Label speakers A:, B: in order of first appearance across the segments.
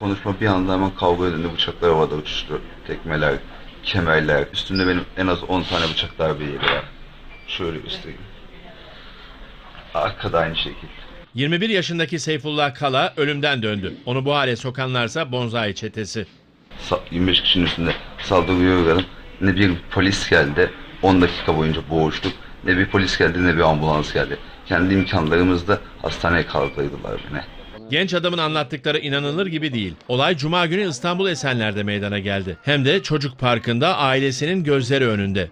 A: Konuşma bir anda hemen kavga edildi. Bıçaklar havada uçuştu. Tekmeler, kemerler. Üstümde benim en az 10 tane bıçak darbe yeri var. Şöyle göstereyim. Arkada aynı şekilde.
B: 21 yaşındaki Seyfullah Kala ölümden döndü. Onu bu hale sokanlarsa Bonzai çetesi.
A: 25 kişinin üstünde saldırıya uğradım. Ne bir polis geldi. 10 dakika boyunca boğuştuk. Ne bir polis geldi ne bir ambulans geldi. Kendi imkanlarımızla hastaneye kaldırdılar beni.
B: Genç adamın anlattıkları inanılır gibi değil. Olay Cuma günü İstanbul Esenler'de meydana geldi. Hem de çocuk parkında ailesinin gözleri önünde.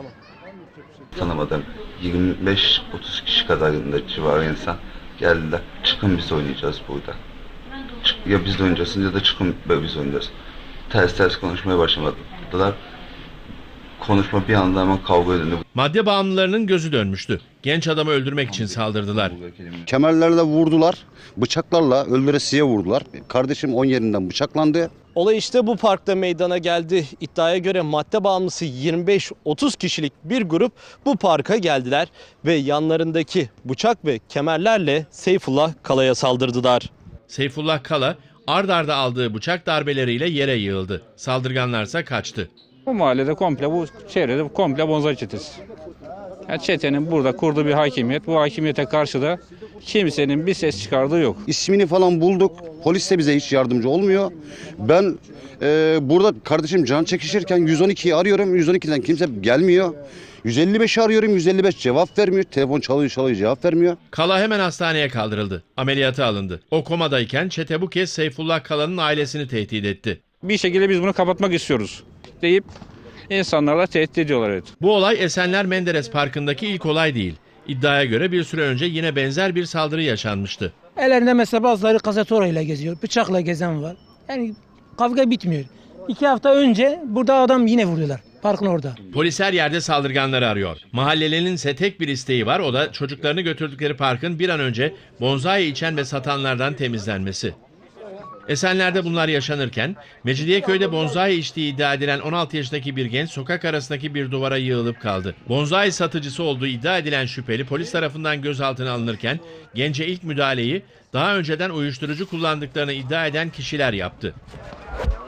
A: Tanımadım. 25-30 kişi kadarında civarı insan geldiler. Çıkın biz oynayacağız burada. Ya biz de oynayacaksınız ya da çıkın biz oynayacağız. Ters konuşmaya başlamadılar. Konuşma bir anda hemen kavga edildi.
B: Madde bağımlılarının gözü dönmüştü. Genç adamı öldürmek için saldırdılar.
C: Kemerlerle vurdular, bıçaklarla öldüresiye vurdular. Kardeşim 10 yerinden bıçaklandı.
D: Olay işte bu parkta meydana geldi. İddiaya göre madde bağımlısı 25-30 kişilik bir grup bu parka geldiler ve yanlarındaki bıçak ve kemerlerle Seyfullah Kala'ya saldırdılar.
B: Seyfullah Kala ard arda aldığı bıçak darbeleriyle yere yığıldı. Saldırganlarsa kaçtı.
E: Bu mahallede komple, bu çevrede komple Bonzai çetesi. Yani çetenin burada kurduğu bir hakimiyet. Bu hakimiyete karşı da kimsenin bir ses çıkardığı yok.
C: İsmini falan bulduk. Polis de bize hiç yardımcı olmuyor. Ben burada kardeşim can çekişirken 112'yi arıyorum. 112'den kimse gelmiyor. 155'i arıyorum. 155 cevap vermiyor. Telefon çalıyor cevap vermiyor.
B: Kala hemen hastaneye kaldırıldı. Ameliyata alındı. O komadayken çete bu kez Seyfullah Kala'nın ailesini tehdit etti.
E: Bir şekilde biz bunu kapatmak istiyoruz deyip insanlarla tehdit ediyorlar. Evet.
B: Bu olay Esenler Menderes Parkı'ndaki ilk olay değil. İddiaya göre bir süre önce yine benzer bir saldırı yaşanmıştı.
F: Ellerinde mesela bazıları kazatora ile geziyor. Bıçakla gezen var. Yani kavga bitmiyor. 2 hafta önce burada adam yine vuruyorlar. Parkın orada.
B: Polis her yerde saldırganları arıyor. Mahallelinin ise tek bir isteği var, o da çocuklarını götürdükleri parkın bir an önce bonzai içen ve satanlardan temizlenmesi. Esenler'de bunlar yaşanırken Mecidiyeköy'de bonzai içtiği iddia edilen 16 yaşındaki bir genç sokak arasındaki bir duvara yığılıp kaldı. Bonzai satıcısı olduğu iddia edilen şüpheli polis tarafından gözaltına alınırken gence ilk müdahaleyi daha önceden uyuşturucu kullandıklarını iddia eden kişiler yaptı.